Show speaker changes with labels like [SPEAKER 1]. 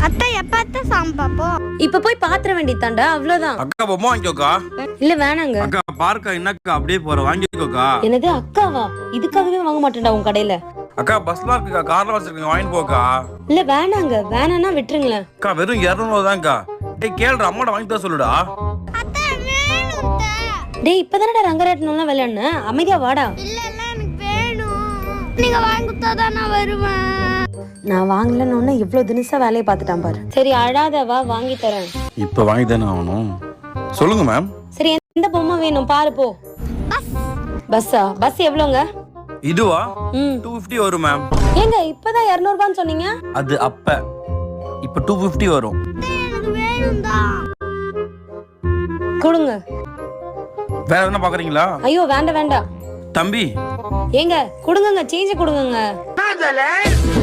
[SPEAKER 1] அத்தை எப்ப அத்தை சாமி பாப்போம்?
[SPEAKER 2] இப்ப போய் பாத்திர வேண்டியதாண்டா, அவ்வளவுதான்.
[SPEAKER 3] அக்கா பொம்மை வாங்கிக்கோக்கா.
[SPEAKER 2] இல்ல வேணாங்க.
[SPEAKER 3] அக்கா பார்க்கா என்னக்கா அப்படியே போற வாங்கிக்கோக்கா.
[SPEAKER 2] என்னது அக்காவா? இதுக்காகவே வாங்க மாட்டேன்டா உன் கடையில.
[SPEAKER 3] அக்கா பஸ்ல இருக்குக்கா, கார்ல வச்சிருக்கீங்க, வாங்கிட்டு போக்கா.
[SPEAKER 2] இல்ல வேணாங்க, வேணான்னா விட்டுருங்களேன்.
[SPEAKER 3] அக்கா வெறும் 200 தான்க்கா. டேய் கேளுடா, அம்மாட வாங்கி தர சொல்லுடா.
[SPEAKER 1] அத்தை வேணும் அத்தை.
[SPEAKER 2] டேய் இப்பதானடா ரங்கராட்டனம்லாம் விளையாடுன, அமைதியா வாடா.
[SPEAKER 1] இல்ல இல்ல எனக்கு வேணும். நீங்க வாங்கி கொடுத்தாதான் நான் வருவேன்.
[SPEAKER 2] நான் வாங்கலன்னு இவ்வளவு தினசா வேலையை பார்த்துட்டான் பாரு. சரி அழாத, வா வாங்கி தரேன்.
[SPEAKER 3] இப்ப வாங்கி தானே ஆகணும். சொல்லுங்க மேம்.
[SPEAKER 2] சரி எந்த பொம்மை வேணும் பாரு போ. பஸ்ஸா? பஸ் எவ்வளோங்க?
[SPEAKER 3] இதுவா?
[SPEAKER 2] 250
[SPEAKER 3] 250 வரும் மேம்.
[SPEAKER 2] ஏங்க இப்பதான் 200 ரூபான்னு சொன்னீங்க.
[SPEAKER 3] அது அப்ப, இப்ப 250 வரும்.
[SPEAKER 1] எனக்கு வேணும் தான்.
[SPEAKER 2] கொடுங்க.
[SPEAKER 3] வேற என்ன பாக்குறீங்களா?
[SPEAKER 2] ஐயோ வேண்டாம் வேண்டாம்.
[SPEAKER 3] தம்பி
[SPEAKER 2] ஏங்க கொடுங்கங்க, சேஞ்ச் கொடுங்கங்க.